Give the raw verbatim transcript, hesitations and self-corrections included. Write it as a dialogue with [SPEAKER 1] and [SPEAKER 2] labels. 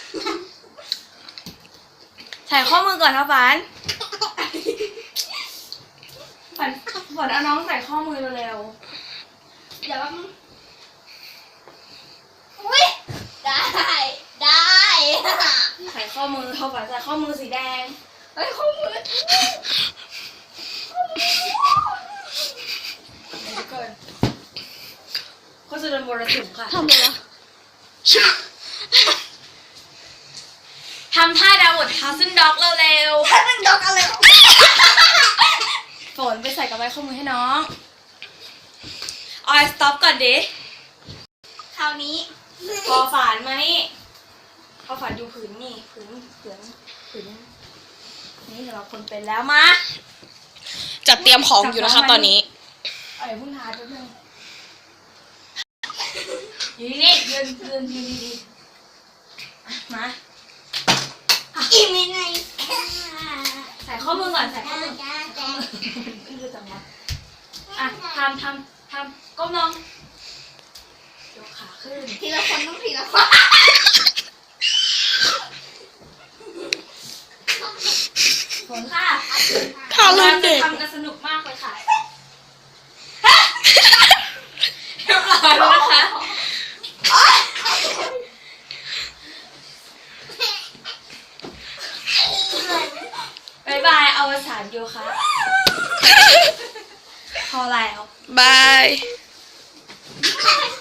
[SPEAKER 1] ใส่ข้อมือก่อนครับฝันฝันฝันเอาน้องใส่ข้อมือเร็วๆเดี๋ยวมัน
[SPEAKER 2] อุ้ยได้ได้
[SPEAKER 1] ใส่ข้อมือเขาฝันใส่ข้อมือสีแดงเฮ้ยข้อมือเดี๋ยวก่อนเขาจะโดนมรสุมค่ะ
[SPEAKER 3] ทำอะไรวะ
[SPEAKER 1] ทำท่าดาวดทัสเซนด็อกเร็วๆ
[SPEAKER 2] ถ้าเป็นดอกอะไรหรอ
[SPEAKER 1] ฝนไปใส่กับไว้ข้อมือให้น้องออยสต็อปก่อนดิ
[SPEAKER 2] คราวนี้
[SPEAKER 1] พอฝานมานี่พอฝานดูผืนนี่ผืนผืนผืนนี่สำหรับคนเป็นแล้วมา
[SPEAKER 3] จัดเตรียมของอยู่นะคะตอนนี้
[SPEAKER 1] เอ้ยพุ่งทาแป๊บนึงอยู่นี่ยืนยืนยืนดีๆมา
[SPEAKER 2] อีเมไง
[SPEAKER 1] ใส่ข้อมือก่อนใส่ข้อมือ
[SPEAKER 2] จ้าจ้า
[SPEAKER 1] ขึ้นเลยจังวะอ่ะทำทำทำก้มลงยกขาขึ้น
[SPEAKER 2] ทีละคนต้องทีละคน
[SPEAKER 1] ฝนค่ะ
[SPEAKER 3] ทารุณเด็ก
[SPEAKER 1] ทำกันสนุกมากเลยค่ะเรียบร้อยแล้วนะคะบายบายอวสานโยคะพอแล้ว
[SPEAKER 3] บาย
[SPEAKER 2] ไ